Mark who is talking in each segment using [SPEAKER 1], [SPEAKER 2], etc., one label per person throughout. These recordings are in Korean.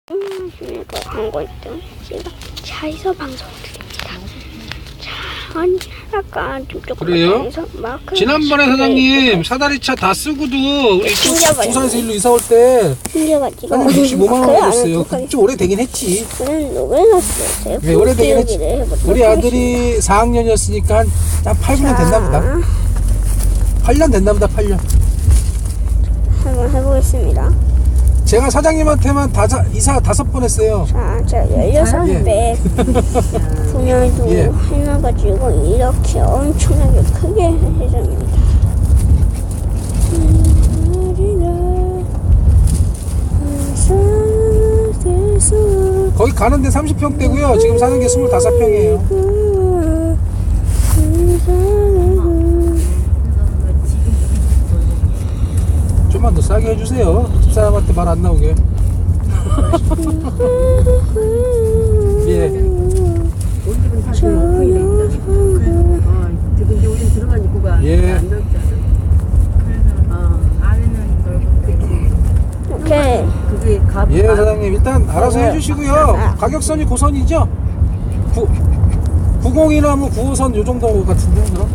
[SPEAKER 1] 광고 1등 제가 차에서 방송을 드립니다. 자, 아니 아까 좀 조금
[SPEAKER 2] 그래요?
[SPEAKER 1] 마크
[SPEAKER 2] 지난번에 사장님 사다리차 다 쓰고도 우리
[SPEAKER 1] 튕겨버렸네.
[SPEAKER 2] 부산에서 일로 이사 올 때
[SPEAKER 1] 튕겨가지고
[SPEAKER 2] 사장님 65만 원 줬어요. 좀 오래되긴 했지.
[SPEAKER 1] 저는 왜 났어요?
[SPEAKER 2] 네, 오래되긴 했지. 우리 아들이 4학년이었으니까 한 8년 됐나 보다. 8년 됐나 보다. 8년.
[SPEAKER 1] 한번 해보겠습니다.
[SPEAKER 2] 제가 사장님한테만 이사 5번 했어요.
[SPEAKER 1] 자, 제가 16배 분열도
[SPEAKER 2] 예.
[SPEAKER 1] 해놔가지고 이렇게 엄청나게 크게 해줍니다.
[SPEAKER 2] 거기 가는데 30평대고요. 지금 사는 게 25평이에요. 좀만 더 싸게 해주세요. 집사람한테 말 안 나오게. 예.
[SPEAKER 3] 우리 집은 사실 오픈이 돼 있다. 지금 이제 우리는 들어간 입구가
[SPEAKER 2] 예.
[SPEAKER 3] 안 넓잖아. 그래서 안에는 넓고 그치.
[SPEAKER 1] 오케이.
[SPEAKER 3] 그게 값.
[SPEAKER 2] 예, 사장님 일단 알아서 해주시고요. 가격선이 고선이죠? 90이나 뭐 9호선 요 정도 같은데 그럼?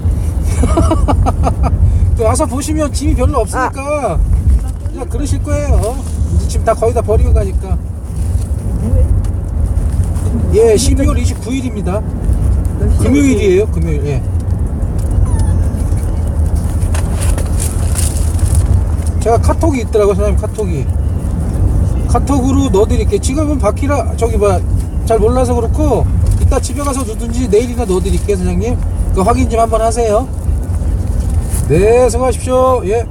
[SPEAKER 2] 또 와서 보시면 짐이 별로 없으니까 그냥 그러실 거예요. 이제 짐 다 거의 다 버리고 가니까. 예, 12월 29일입니다. 금요일이에요, 금요일. 예. 제가 카톡이 있더라고요, 사장님. 카톡으로 넣어드릴게요. 지금은 바퀴라 저기 잘 몰라서 그렇고 이따 집에 가서 누든지 내일이나 넣어드릴게요, 사장님. 그 확인 좀 한번 하세요. 네, 수고하십시오. 예.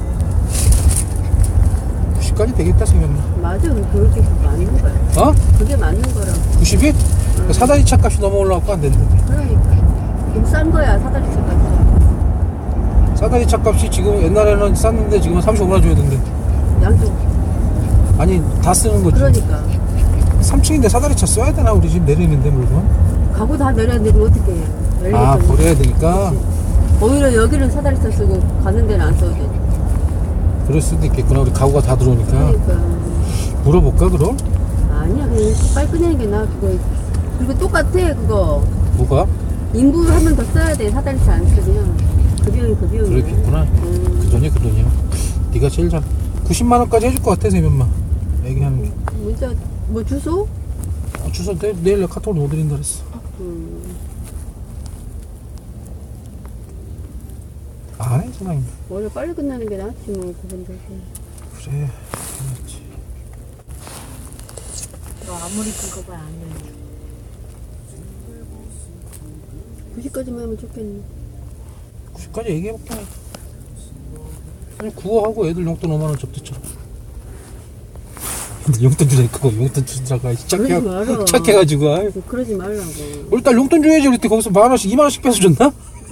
[SPEAKER 2] 90까지 되겠다 생각나.
[SPEAKER 3] 맞아, 그렇게 맞는 거야.
[SPEAKER 2] 어?
[SPEAKER 3] 그게 맞는 거라고.
[SPEAKER 2] 90이? 사다리 차 값이 넘어 올라갖고 안 되는데.
[SPEAKER 3] 그러니까 좀 싼 거야 사다리 차까지.
[SPEAKER 2] 사다리 차 값이 지금 옛날에는 쌌는데 지금은 35만 원 줘야 되는데.
[SPEAKER 3] 양쪽.
[SPEAKER 2] 아니 다 쓰는 거지.
[SPEAKER 3] 그러니까
[SPEAKER 2] 3층인데 사다리 차 써야 되나? 우리 집 내리는데 물건.
[SPEAKER 3] 가구 다 내려야 되면 어떻게 해?
[SPEAKER 2] 아, 버려야 되니까.
[SPEAKER 3] 오히려 여기는 사다리 차 쓰고 가는 데는 안 써도 돼.
[SPEAKER 2] 그럴 수도 있겠구나. 우리 가구가 다 들어오니까.
[SPEAKER 3] 그러니까.
[SPEAKER 2] 물어볼까 그럼?
[SPEAKER 3] 아니야, 그냥 빨리 꺼내는 게 나아. 그거 그리고 똑같아 그거.
[SPEAKER 2] 뭐가?
[SPEAKER 3] 인부 한 번 더 써야 돼. 사다리 차 안 쓰면 그 비용이 그 비용이야.
[SPEAKER 2] 그렇겠구나. 그 돈이야 그 돈이야. 네가 제일 잘 90만 원까지 해줄 것 같아 세면만 얘기하는 게.
[SPEAKER 3] 문자 뭐 주소?
[SPEAKER 2] 주소 내일 카톡으로 못 드린다 그랬어. 안 해 사장님.
[SPEAKER 3] 원래 빨리 끝나는 게 낫지 뭐 그분들.
[SPEAKER 2] 그래. 그렇지.
[SPEAKER 4] 너 아무리 그거 안 해.
[SPEAKER 3] 90까지만 하면 좋겠네.
[SPEAKER 2] 90까지 얘기해볼게. 아니 구호하고 애들 용돈 5만원 접대처럼. 근데 용돈 주라니까 용돈 주라고
[SPEAKER 3] 그러지 마라.
[SPEAKER 2] 착해가지고 아이.
[SPEAKER 3] 그러지 말라고.
[SPEAKER 2] 우리 딸 용돈 줘야지. 우리 때 거기서 10,000원씩 20,000원씩 뺏어줬나?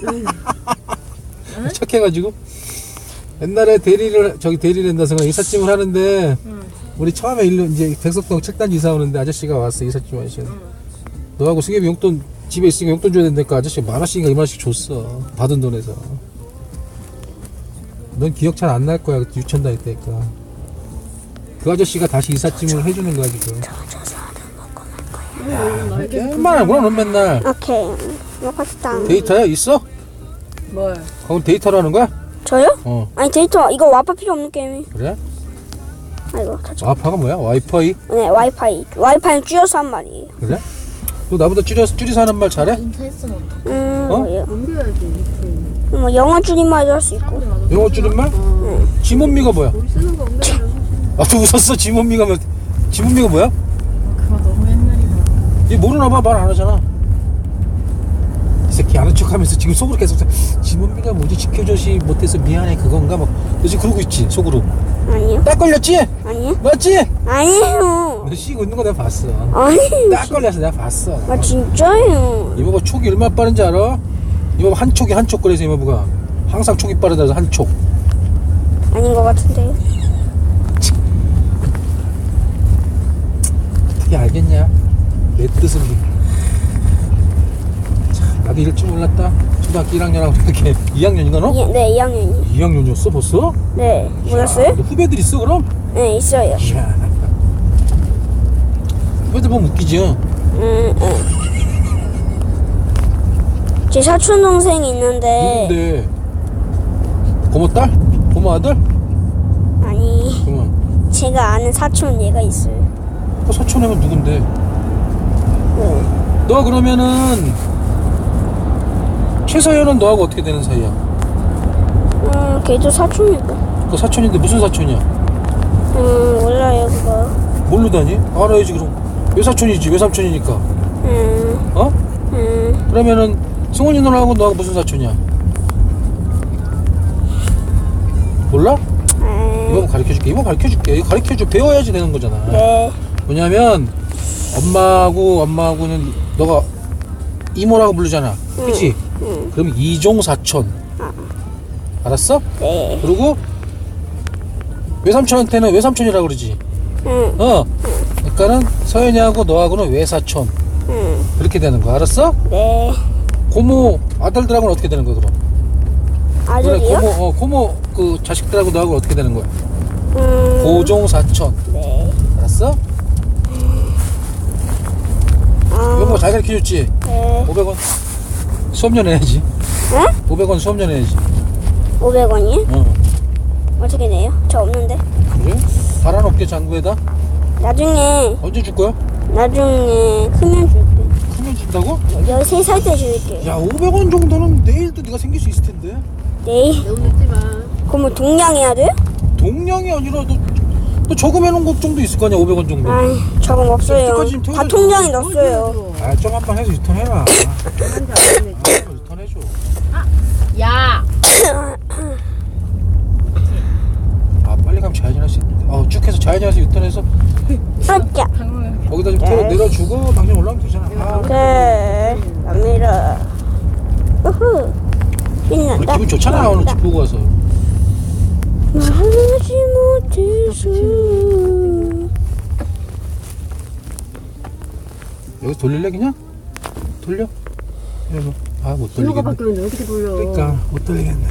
[SPEAKER 2] 착해가지고 옛날에 대리랜다서 이삿짐을 하는데 우리 처음에 일로 이제 백석동 책단지 이사 오는데 아저씨가 왔어. 이삿짐 아저씨. 너하고 승엽이 용돈 집에 있으니까 용돈 줘야 된다니까 아저씨가 10,000원씩인가 20,000원씩 줬어. 받은 돈에서. 넌 기억 잘 안 날 거야. 그때 유치원 다닐 때니까. 그 아저씨가 다시 이삿짐을 해주는 거야 지금. 얼마나 그럼 넌 맨날
[SPEAKER 1] 오케이. 먹었다.
[SPEAKER 2] 데이터야 있어?
[SPEAKER 3] 뭘?
[SPEAKER 2] 거기 데이터로 하는 거야?
[SPEAKER 1] 저요?
[SPEAKER 2] 어.
[SPEAKER 1] 아니 데이터 이거 와이파이 필요 없는 게임이.
[SPEAKER 2] 그래?
[SPEAKER 1] 아이고.
[SPEAKER 2] 와이파이가 뭐야? 와이파이?
[SPEAKER 1] 네, 와이파이 줄여서 한 말이에요.
[SPEAKER 2] 그래? 너 나보다 줄여서 하는 말 잘해?
[SPEAKER 4] 인터넷은 어떻게?
[SPEAKER 2] 어?
[SPEAKER 1] 뭐예요?
[SPEAKER 3] 옮겨야지.
[SPEAKER 1] 뭐 영어 줄임말도 할 수 있고.
[SPEAKER 2] 영어 줄임말? 지몬미가 뭐야?
[SPEAKER 3] 우리 쓰는 거 옮겨야
[SPEAKER 2] 아, 또 웃었어. 지몬미가 뭐야?
[SPEAKER 4] 그거 너무 옛날이다.
[SPEAKER 2] 얘 모르나 봐. 말 안 하잖아. 이 새끼 아는 척하면서 지금 속으로 계속 지몬미가 뭐지? 지켜줘시 못해서 미안해 그건가? 막 너 지금 그러고 있지 속으로.
[SPEAKER 1] 아니요.
[SPEAKER 2] 딱 걸렸지?
[SPEAKER 1] 아니요.
[SPEAKER 2] 맞지?
[SPEAKER 1] 아니에요.
[SPEAKER 2] 너 씌고 있는 거 내가 봤어.
[SPEAKER 1] 아니에요.
[SPEAKER 2] 딱 걸려서 내가 봤어.
[SPEAKER 1] 아 진짜요.
[SPEAKER 2] 이모가 촉이 얼마나 빠른지 알아? 이모가 한 촉이 한 촉 그래서 이모가 항상 촉이 빠르다 해서 한 촉.
[SPEAKER 1] 아닌 것 같은데요.
[SPEAKER 2] 어떻게 알겠냐? 내 뜻은 나도 이럴 줄 몰랐다. 초등학교 1학년하고 이렇게 2학년인가 너?
[SPEAKER 1] 네, 2학년이.
[SPEAKER 2] 2학년이었어 벌써?
[SPEAKER 1] 네, 몰랐어요?
[SPEAKER 2] 너 후배들 있어 그럼?
[SPEAKER 1] 네, 있어요.
[SPEAKER 2] 이야. 애들 보면 웃기죠.
[SPEAKER 1] 제 사촌 동생이 있는데
[SPEAKER 2] 누군데? 고모 딸? 고모 아들?
[SPEAKER 1] 아니
[SPEAKER 2] 그러면
[SPEAKER 1] 제가 아는 사촌 얘가 있어요.
[SPEAKER 2] 사촌이면 누군데? 너 그러면은 최서연은 너하고 어떻게 되는 사이야?
[SPEAKER 1] 걔도 사촌이고.
[SPEAKER 2] 그 사촌인데 무슨 사촌이야?
[SPEAKER 1] 몰라요 그거.
[SPEAKER 2] 모르다니? 알아야지 그럼. 외사촌이지 외삼촌이니까. 어? 그러면은 승훈이 누나하고 너하고 무슨 사촌이야? 몰라? 이거 가르쳐줄게. 이거 가르쳐줄게. 이거 가르쳐줘. 배워야지 되는 거잖아.
[SPEAKER 1] 네.
[SPEAKER 2] 뭐냐면 엄마하고는 너가 이모라고 부르잖아. 그치? 그럼 이종사촌. 알았어?
[SPEAKER 1] 네.
[SPEAKER 2] 그리고 외삼촌한테는 외삼촌이라고 그러지. 그러니까는 서연이하고 너하고는 외사촌. 그렇게 되는 거 알았어?
[SPEAKER 1] 네.
[SPEAKER 2] 고모 아들들하고는 어떻게 되는 거야 그럼?
[SPEAKER 1] 아들이요?
[SPEAKER 2] 고모 그 자식들하고 너하고 어떻게 되는 거야? 고종사촌.
[SPEAKER 1] 네.
[SPEAKER 2] 알았어? 이거 뭐 잘 가르쳐줬지?
[SPEAKER 1] 네.
[SPEAKER 2] 500원 수업료 내야지.
[SPEAKER 1] 응?
[SPEAKER 2] 500원 수업료 내야지.
[SPEAKER 1] 500원이요? 어떻게 내요? 저 없는데.
[SPEAKER 2] 그래? 바라놓게 장부에다?
[SPEAKER 1] 나중에
[SPEAKER 2] 언제 줄 거야?
[SPEAKER 1] 크면 줄게.
[SPEAKER 2] 크면 준다고?
[SPEAKER 1] 13살 때 줄게.
[SPEAKER 2] 야 500원 정도는 내일도 네가 생길 수 있을 텐데.
[SPEAKER 1] 네.
[SPEAKER 3] 너무 늦지 마.
[SPEAKER 1] 그럼 뭐 동양해야 돼요?
[SPEAKER 2] 동량이 아니라 너 저금해놓은 것 정도 있을 거 아니야 500원 정도.
[SPEAKER 1] 아이 저건 없어요.
[SPEAKER 2] 여태까지 지금
[SPEAKER 1] 다
[SPEAKER 2] 태워가지고
[SPEAKER 1] 통장에 넣었어요.
[SPEAKER 2] 좀 한 번 해서 유턴해라.
[SPEAKER 3] 한잔 안 해.
[SPEAKER 2] 유턴해줘.
[SPEAKER 4] 야!
[SPEAKER 2] 빨리 가면 좌회전할 수 있는데. 쭉 해서 좌회전해서 유턴해서
[SPEAKER 1] 아짜.
[SPEAKER 2] 거기다 좀 내려주고 당장 올라오면 되잖아.
[SPEAKER 1] 네. 갑니다. 우후.
[SPEAKER 2] 우리
[SPEAKER 1] 신난다.
[SPEAKER 2] 기분 좋잖아 오늘 집 보고 와서.
[SPEAKER 1] 말하지 못해서.
[SPEAKER 2] 여기서 돌릴래 그냥? 돌려? 못
[SPEAKER 3] 신호가
[SPEAKER 2] 돌리겠네.
[SPEAKER 3] 바뀌었는데 어떻게 돌려?
[SPEAKER 2] 그러니까 못 돌리겠네.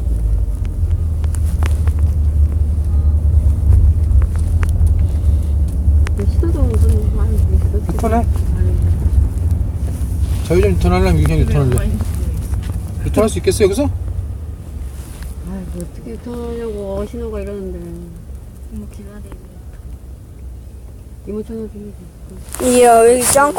[SPEAKER 3] 시도도 무슨 많이
[SPEAKER 2] 유턴해? 좌회전 유턴하려면 그냥 유턴할래. 유턴할 수 있겠어 여기서?
[SPEAKER 3] 아이고 어떻게 유턴하냐고 신호가 이러는데
[SPEAKER 4] 뭐 기다리고.
[SPEAKER 3] 이모 전화 주면
[SPEAKER 1] 이야 여기 짱코.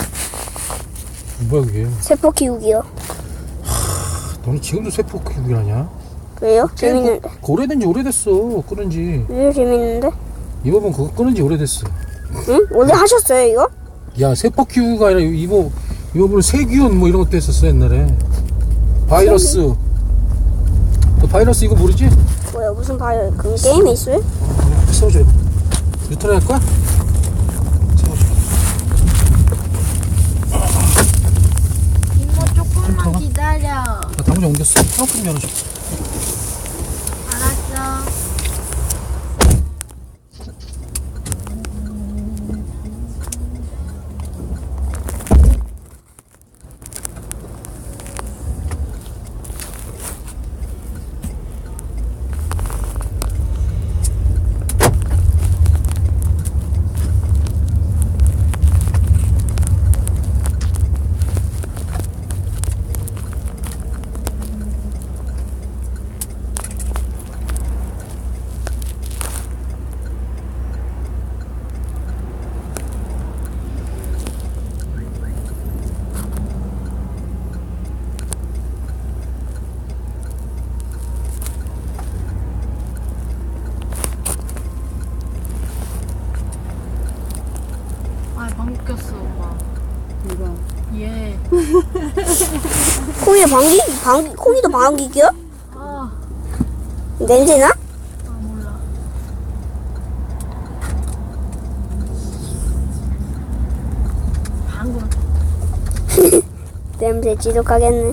[SPEAKER 2] 뭐야 그게?
[SPEAKER 1] 세포 키우기요.
[SPEAKER 2] 너는 지금도 세포 키우기라냐?
[SPEAKER 1] 왜요? 재밌는데.
[SPEAKER 2] 오래된지 오래됐어 끊은 지.
[SPEAKER 1] 왜 재밌는데?
[SPEAKER 2] 이모분 그거 끊은 지 오래됐어.
[SPEAKER 1] 응? 원래 하셨어요 이거?
[SPEAKER 2] 야 세포 키우기가 아니라 이모분은 세균 뭐 이런 것도 했었어 옛날에. 바이러스. 너 바이러스 이거 모르지?
[SPEAKER 1] 뭐야 무슨 바이오 그 게임이 있어요?
[SPEAKER 2] 세워줘. 유턴 할 거야? 세워줘.
[SPEAKER 4] 이모 조금만 기다려.
[SPEAKER 2] 나 당장 옮겼어. 조금 열어줘.
[SPEAKER 4] 알았어. 방귀 꼈어, 오빠.
[SPEAKER 3] 누가
[SPEAKER 4] 얘.
[SPEAKER 1] 코기에 방귀 코기도 방귀 껴?
[SPEAKER 4] 아,
[SPEAKER 1] 냄새나?
[SPEAKER 4] 몰라. 방금.
[SPEAKER 1] 냄새 지독하겠네.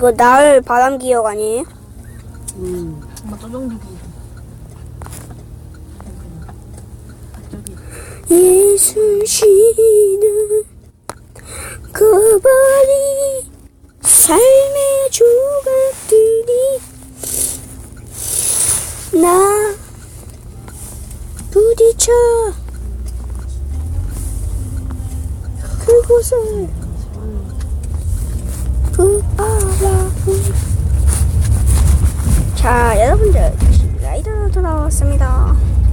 [SPEAKER 1] 이거 나을 바람 기억 아니에요?
[SPEAKER 4] 엄마 쪼정주기. 저기.
[SPEAKER 1] 예순 쉬는 거버리 삶의 조각들이 나 부딪혀 그곳을 자, 여러분들 라이더 돌아왔습니다.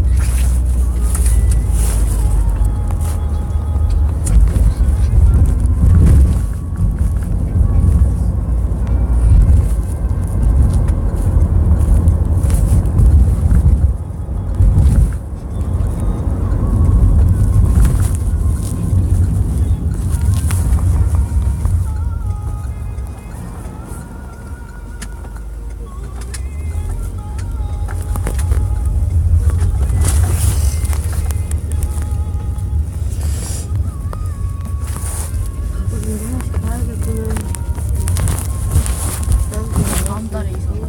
[SPEAKER 4] 다음 달에 이사 가요.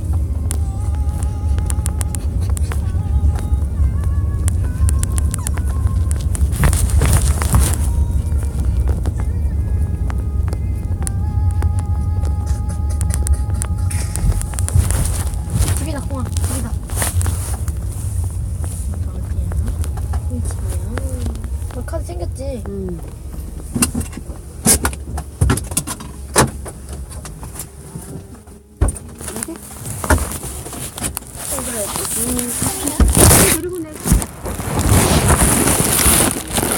[SPEAKER 4] 집이다, 콩아. 집이다. 너 카드 챙겼지?